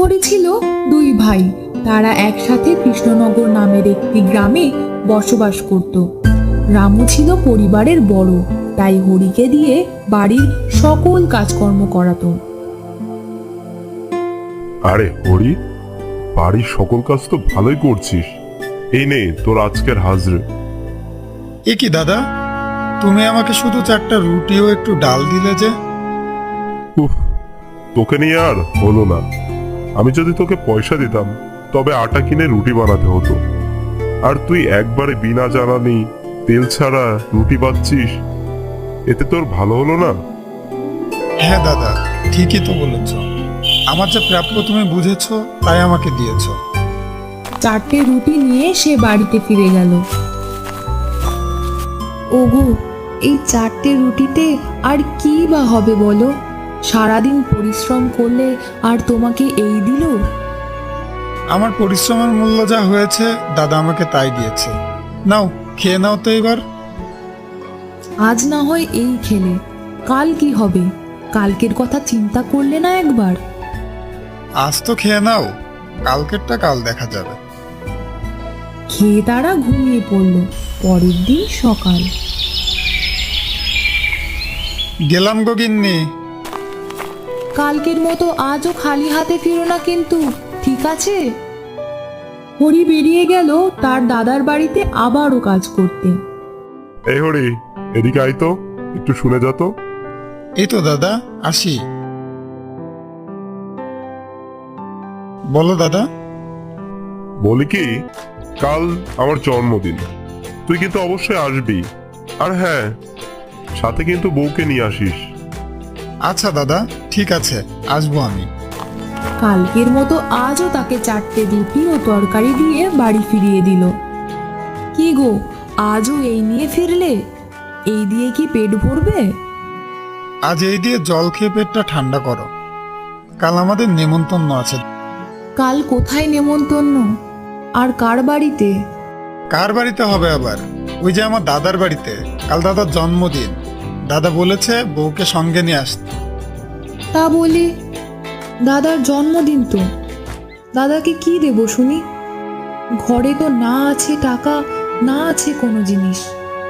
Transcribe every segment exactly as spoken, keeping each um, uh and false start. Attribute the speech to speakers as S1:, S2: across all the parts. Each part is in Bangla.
S1: করে ছিল দুই ভাই। তারা একসাথে কৃষ্ণনগর নামের একটি গ্রামে বসবাস করত। রামু ছিল পরিবারের বড়, তাই হরিকে দিয়ে বাড়ির সকল কাজকর্ম করাতো।
S2: আরে হরি, বাড়ির সকল কাজ তো ভালোই করছিস। এই নে তোর আজকের হাজরে।
S3: এ কি দাদা, তুমি আমাকে শুধু চারটা রুটি ও একটু ডাল দিলে যে?
S2: উফ, তোকে নিয়ে আর হলো না। আমি যদি তোকে পয়সা দিতাম তবে আটা কিনে রুটি বানাতে হতো, আর তুই একবারে বিনা জ্বালানি তেল ছাড়া রুটি বাচ্ছিস। এতে তোর ভালো হলো না?
S3: হ্যাঁ দাদা, ঠিকই তো বলেছ। আমার যে প্রাপ্য তুমি বুঝেছো, তাই আমাকে দিয়েছো।
S1: চারটে রুটি নিয়ে সে বাড়িতে ফিরে গেল। ওগো, এই চারটে রুটিতে আর কি বা হবে বলো? সারাদিন পরিশ্রম করলে আর তোমাকে এই দিল?
S3: আমার পরিশ্রমের মূল্য যা হয়েছে দাদা আমাকে তাই দিয়েছে। নাও, খেয়ে নাও তো এবার।
S1: আজ না হয় এই খেলে, কাল কি হবে? কালকের কথা চিন্তা করলে না একবার?
S3: আজ তো খেয়ে নাও, কালকেরটা কাল দেখা যাবে।
S1: খেয়ে তারা ঘুমিয়ে পড়ল। পরের দিন সকাল।
S3: গেলাম গো গিন্নি।
S1: কালকের মতো আজও খালি হাতে ফিরো না কিন্তু, ঠিক আছে? হরি বেরিয়ে গেল তার দাদার বাড়িতে আবারও কাজ করতে।
S2: এই হরি, এদিকে আয় তো, একটু শুনে যা তো।
S3: এই তো দাদা, আসি। বলো দাদা।
S2: বলি কি, কাল আমার জন্মদিন, তুই কিন্তু অবশ্যই আসবি। আর হ্যাঁ, সাথে কিন্তু বউকে নিয়ে আসিস।
S3: আচ্ছা দাদা, ঠিক আছে, আসবো আমি।
S1: কালকের মতো আজও তাকে চারটে রুটি ও তরকারি দিয়ে বাড়ি ফিরিয়ে দিল। কি গো, আজও এই নিয়ে ফিরলে? এই দিয়ে কি পেট ভরবে?
S3: আজ এই দিয়ে জল খেয়ে পেটটা ঠান্ডা করো। কাল আমাদের নেমন্তন্ন আছে।
S1: কাল কোথায় নেমন্তন্ন? আর কার বাড়িতে?
S3: কার বাড়িতে হবে আবার? ওই যে আমার দাদার বাড়িতে। কাল দাদার জন্মদিন। দাদা বলেছে বউকে সঙ্গে নিয়ে আসতে।
S1: তা বলি, দাদার জন্মদিন তো, দাদাকে কি দেব শুনি? ঘরে তো না আছে টাকা, না আছে কোনো জিনিস।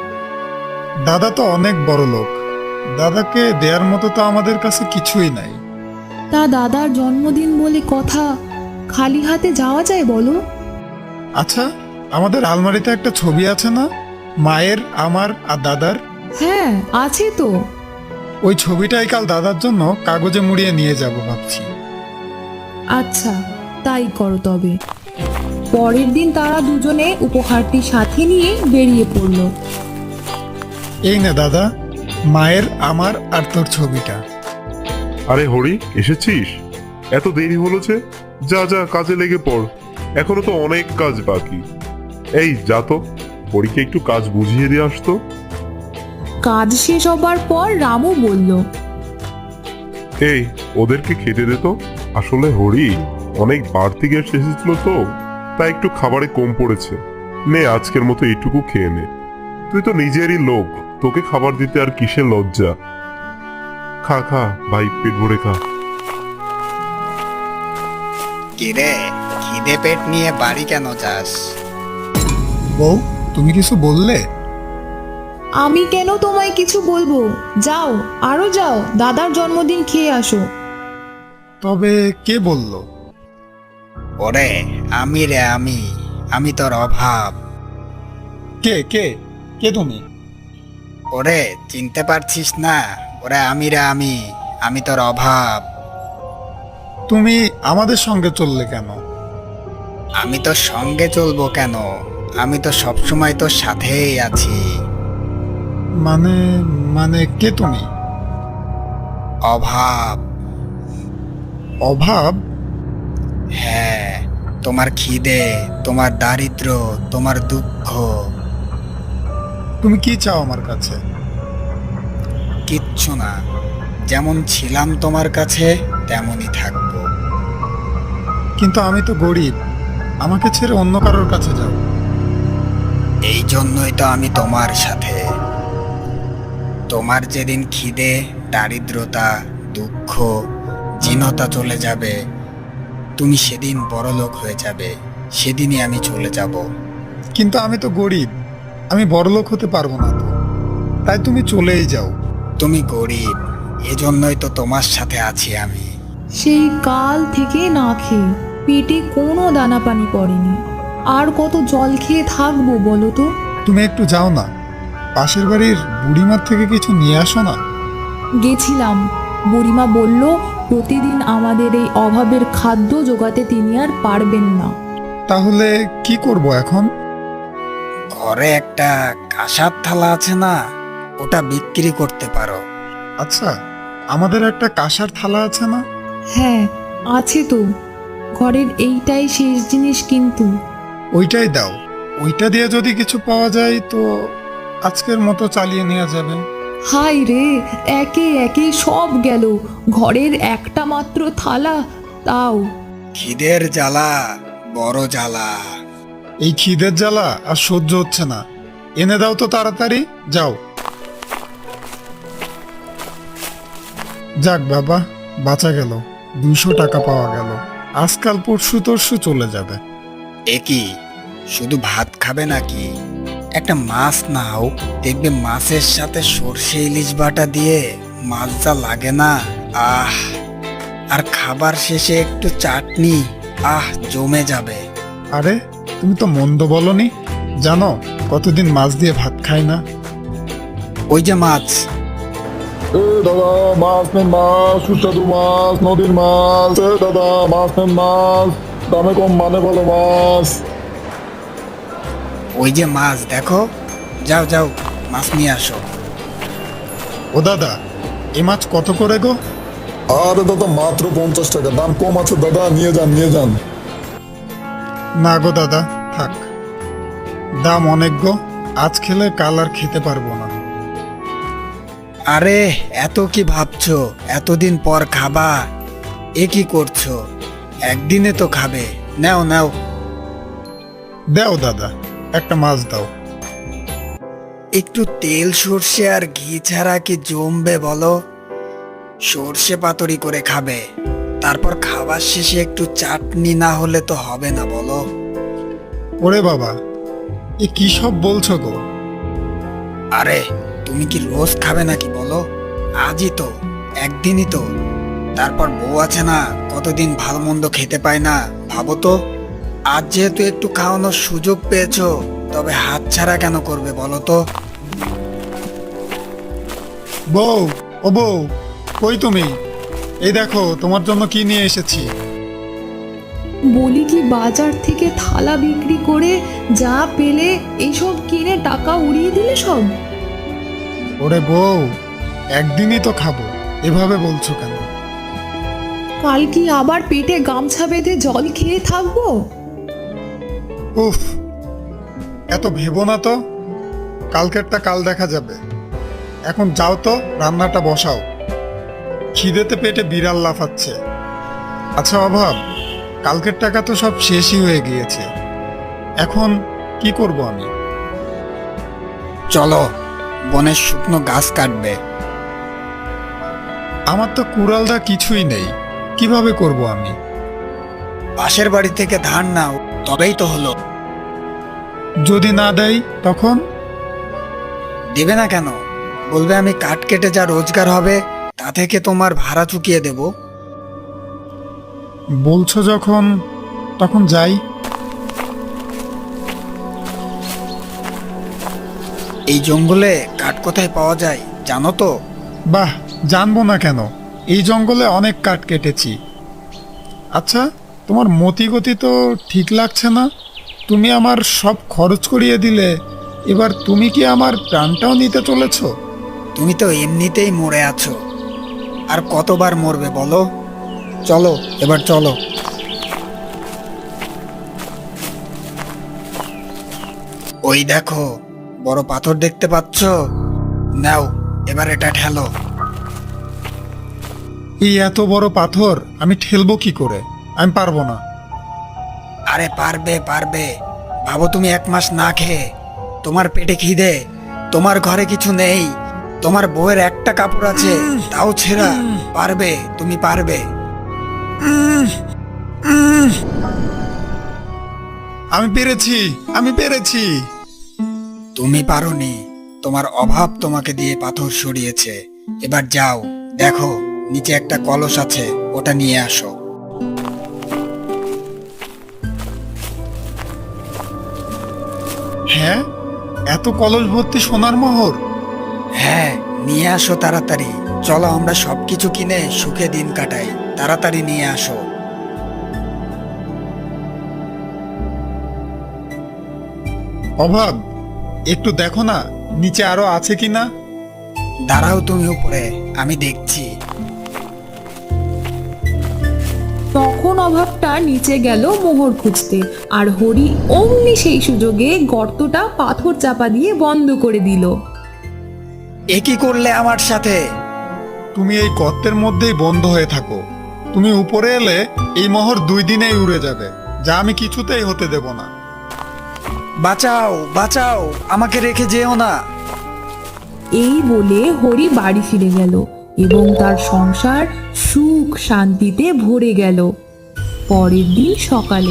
S3: দাদা তো অনেক বড় লোক, দাদাকে দেওয়ার মতো তো আমাদের কাছে কিছুই নাই।
S1: তা দাদার জন্মদিন বলে কথা, খালি হাতে যাওয়া যায় বলো?
S3: আচ্ছা, আমাদের আলমারিতে একটা ছবি আছে না, মায়ের, আমার আর দাদার?
S1: হ্যাঁ, আছে তো।
S3: ওই ছবিটাই কাল দাদার জন্য কাগজে মুড়িয়ে নিয়ে যাব ভাবছি।
S1: আচ্ছা, তাই করো তবে। পরের দিন তারা দুজনে উপহারটি সাথে নিয়ে বেরিয়ে পড়ল।
S3: এই নে দাদা, মায়ের, আমার আর তোর ছবিটা।
S2: আরে হরি, এসেছিস? এত দেরি হলো যে? যা যা, কাজে লেগে পড়, এখনো তো অনেক কাজ বাকি। এই যা তো, হরিকে একটু কাজ বুঝিয়ে দিয়ে আসতো।
S1: কাজ শেষ হবার পর রামু বলল,
S2: এই ওদেরকে খেতে দে তো। আসলে হরি অনেক বাড়তি গ্যাস এসেছিল তো, তাই একটু খাবারে কম পড়েছে। নে, আজকের মতো এইটুকু খেয়ে নে। তুই তো নিজেরই লোক, তোকে খাবার দিতে আর কিসের লজ্জা। খা খা ভাই, পেট ভরে খা।
S4: কিরে, খিদে পেট নিয়ে বাড়ি কেন যাস?
S3: বউ, তুমি কিছু বললে?
S1: আমি কেন তোমায় কিছু বলবো? যাও, আরো যাও, দাদার জন্মদিন খেয়ে আসো।
S3: তবে কে বলল?
S4: ওরে আমি রে আমি, আমি তোর অভাব।
S3: কে কে কে তুমি?
S4: ওরে চিনতে পারছিস না? ওরে আমি রে আমি, আমি তোর অভাব।
S3: তুমি আমাদের সঙ্গে চললে কেন?
S4: আমি তোর সঙ্গে চলবো কেন? আমি তো সবসময় তোর সাথেই আছি।
S3: মানে মানে কে তুমি?
S4: অভাব।
S3: অভাব?
S4: হ্যাঁ, তোমার খিদে, তোমার দারিদ্র্য, তোমার দুঃখ।
S3: তুমি কি চাও আমার কাছে?
S4: কিচ্ছু না, যেমন ছিলাম তোমার কাছে তেমনই থাকবো।
S3: কিন্তু আমি তো গরিব, আমাকে ছেড়ে অন্য কারোর কাছে যাও।
S4: এই জন্যই তো আমি তোমার সাথে। তোমার যেদিন খিদে, দারিদ্রতা, দুঃখ, জীর্ণতা চলে যাবে, তুমি সেদিন বড় লোক হয়ে যাবে, সেদিনই আমি চলে যাব।
S3: কিন্তু আমি তো গরিব, আমি বড়লোক হতে পারবো না তো, তাই তুমি চলেই যাও।
S4: তুমি গরিব, এজন্যই তো তোমার সাথে আছি আমি।
S1: সেই কাল থেকে না খেয়ে পেটে কোনো দানা পানি পড়েনি। আর কত জল খেয়ে থাকবো বলো তো?
S3: তুমি একটু যাও না, পাশের বাড়ির বুড়িমার থেকে কিছু নিয়ে আসো না।
S1: গেছিলাম, বুড়িমা বলল প্রতিদিন আমাদের এই অভাবের খাদ্য জোগাতে তিনি আর পারবেন না।
S3: তাহলে কি করব এখন?
S4: ঘরে একটা কাঁসার থালা আছে না, ওটা বিক্রি করতে পারো।
S3: আচ্ছা, আমাদের একটা কাঁসার থালা আছে না?
S1: হ্যাঁ, আছে তো। ঘরের এইটাই শেষ জিনিস কিন্তু।
S3: ওইটাই দাও, ওইটা দিয়ে যদি কিছু পাওয়া যায় তো আজকের মতো চালিয়ে নেওয়া যাবে।
S1: হাই রে, একে একে সব গেল। ঘরের একটা মাত্র থালা, তাও।
S4: খিদের জ্বালা বড় জ্বালা।
S3: এই খিদের জ্বালা আর সহ্য হচ্ছে না, এনে দাও তো তাড়াতাড়ি, যাও। যাক বাবা, বাঁচা গেল, দুইশো টাকা পাওয়া গেল। আজকাল পরশু তরশু চলে যাবে।
S4: এ কি, শুধু ভাত খাবে নাকি? একটা মাছ নাও, দেখবে মাছের সাথে সর্ষে ইলিশ বাটা দিয়ে মাছ যা লাগে না, আহ! আর খাবার শেষে একটু চাটনি, আহ, জমে যাবে।
S3: আরে, তুমি তো মন্দ বলনি। জানো কতদিন মাছ দিয়ে ভাত খাই না।
S4: ওই যে মাছ।
S5: এ দাদা, মাছ নেন, মাছ, সুস্বাদু মাছ, নদীর মাছ। এ দাদা, মাছ নেন, মাছ, দামে কম মানে ভালো মাছ।
S4: ওই যে মাছ, দেখো, যাও যাও, মাছ নিয়ে আসো।
S3: ও দাদা, এই মাছ কত করে গো?
S5: আরে দাদা, মাত্র পঞ্চাশ টাকা, দাম কম আছে দাদা, নিয়ে যান নিয়ে যান।
S3: না গো দাদা, থাক, দাম অনেক গো, আজ খেলে কাল আর খেতে পারবো না।
S4: আরে এত কি ভাবছো, এতদিন পর খাবা, এ কি করছো? একদিনে তো খাবে, নাও নাও।
S3: দাও দাদা, একটা মাছ দাও।
S4: একটু তেল সর্ষে আর ঘি ছাড়া কি জমবে বলো? সর্ষে পাতুরি করে খাবে, তারপর খাবার শেষে একটু চাটনি না হলে তো হবে না বলো।
S3: ওরে বাবা, এ কি সব বলছো গো?
S4: আরে তুমি কি রোজ খাবে নাকি বলো? আজই তো, একদিনই তো। তারপর বউ আছে না, কতদিন ভালো মন্দ খেতে পায় না, ভাবো তো। আজ যেহেতু একটু খাওয়ানোর সুযোগ পেয়েছো, তবে হাত ছাড়া কেন করবে বলো তো?
S3: বউ, ও বউ, কই তুমি? এই দেখো তোমার জন্য কি নিয়ে এসেছি।
S1: বলি কি, বাজার থেকে থালা বিক্রি করে যা পেলে এইসব কিনে টাকা উড়িয়ে দিলে সব।
S3: ওরে বউ, একদিনই তো খাবো, এভাবে বলছো কেন?
S1: কাল কি আবার পেটে গামছা বেঁধে জল খেয়ে থাকবো?
S3: উফ, এত ভেবো না তো, কালকেরটা কাল দেখা যাবে। এখন যাও তো, রান্নাটা বসাও, খিদেতে পেটে বিড়াল লাফাচ্ছে। আচ্ছা অভাব, কালকের টাকা তো সব শেষই হয়ে গিয়েছে, এখন কি করব আমি?
S4: চলো, বনের শুকনো গাছ কাটবে।
S3: আমার তো কুড়ালদা কিছুই নেই, কিভাবে করব আমি?
S4: পাশের বাড়ি থেকে ধান নাও, তবেই তো হলো।
S3: যদি না দেয় তখন?
S4: দেবে না কেন? বলবে আমি কাঠ কেটে যা রোজগার হবে তা থেকে তোমার ভাড়া চুকিয়ে দেব।
S3: বলছো যখন, তখন যাই।
S4: এই জঙ্গলে কাঠ কোথায় পাওয়া যায় জানো তো?
S3: বাহ, জানবো না কেন, এই জঙ্গলে অনেক কাঠ কেটেছি। আচ্ছা, তোমার মতিগতি তো ঠিক লাগছে না। তুমি আমার সব খরচ করিয়ে দিলে, এবার তুমি কি আমার প্রাণটাও নিতে চলেছ?
S4: তুমি তো এমনিতেই মরে আছো, আর কতবার মরবে বলো? চলো এবার চলো। ওই দেখো, বড় পাথর দেখতে পাচ্ছ? নাও, এবার এটা ঠেলো।
S3: এই এত বড় পাথর আমি ঠেলবো কি করে? আমি পারবো না।
S4: আরে পারবে পারবে, ভাবো তুমি এক মাস না খেয়ে, তোমার পেটে খিদে, তোমার ঘরে কিছু নেই, তোমার বউয়ের একটা কাপড় আছে তাও ছেঁড়া, পারবে, তুমি পারবে।
S3: আমি পেরেছি, আমি পেরেছি।
S4: তুমি পারোনি, তোমার অভাব তোমাকে দিয়ে পাথর সরিয়েছে। এবার যাও, দেখো নিচে একটা কলস আছে, ওটা নিয়ে আসো।
S3: হ্যাঁ, এত কলস ভর্তি সোনার মোহর।
S4: হ্যাঁ, নিয়ে আসো তাড়াতাড়ি। চলো আমরা সবকিছু কিনে সুখে দিন কাটাই। তাড়াতাড়ি নিয়ে আসো।
S3: অভাব, একটু দেখো না নিচে আরো আছে কিনা।
S4: দাঁড়াও তুমি উপরে, আমি দেখছি।
S1: তখন অভাবটা নিচে গেল মোহর খুঁজতে, আর হরি অমনি সেই সুযোগে গর্তটা পাথর চাপা দিয়ে বন্ধ করে দিল।
S4: এ কি করলে আমার সাথে?
S3: তুমি এই গর্তের মধ্যেই বন্ধ হয়ে থাকো। তুমি উপরে এলে এই মোহর দুই দিনেই উড়ে যাবে, যা আমি কিছুতেই হতে দেব না।
S4: বাঁচাও, বাঁচাও, আমাকে রেখে যেও না।
S1: এই বলে হরি বাড়ি ফিরে গেল এবং তার সংসার সুখ শান্তিতে ভরে গেল। পরের দিন সকালে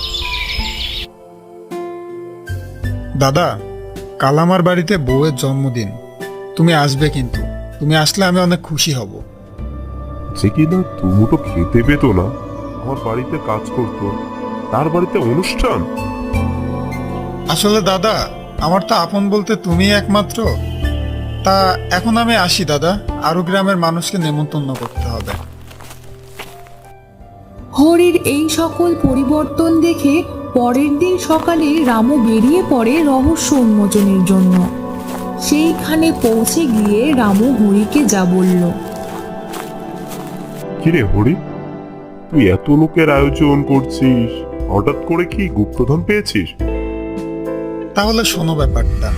S3: দাদা, কাল আমার বাড়িতে বউয়ের জন্মদিন, তুমি আসবে কিন্তু। তুমি আসলে আমি অনেক খুশি হব।
S2: যে কিনা দুমুটো খেতে পেত না, আমার বাড়িতে কাজ করতো, তার বাড়িতে অনুষ্ঠান।
S3: আসলে দাদা, আমার তো আপন বলতে তুমি একমাত্র। তা এখন আমি আসি দাদা, আরো গ্রামের মানুষকে নেমন্তন্ন করতে হবে।
S1: হরির এই সকল পরিবর্তন দেখে পরের দিন সকালে রামু বেরিয়ে পড়ে রহস্য উন্মোচনের জন্য। সেইখানে পৌঁছে গিয়ে রামু হরিকে যা বলল।
S2: কিরে হরি, তুই এত লোকের আয়োজন করছিস, হঠাৎ করে কি গুপ্তধন পেয়েছিস?
S3: তাহলে শোনো ব্যাপারটা।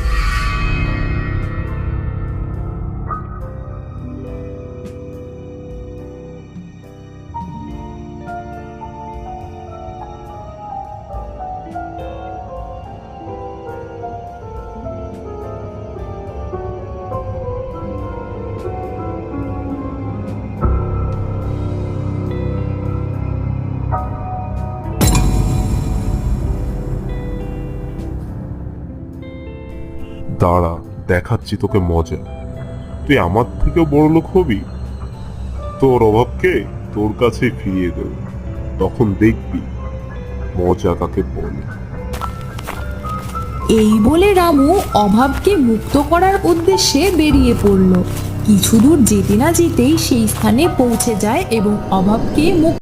S2: দাঁড়া, দেখাচ্ছি তোকে মজা। তুই আমার থেকেও বড় লোক হবি, তোর অভাবকে তোর কাছে ফিরিয়ে দেব, তখন দেখবি মজা কাকে বলে।
S1: এই বলে রামু অভাবকে মুক্ত করার উদ্দেশ্যে বেরিয়ে পড়ল। কিছু দূর যেতে না যেতেই সেই স্থানে পৌঁছে যায় এবং অভাবকে মুক্ত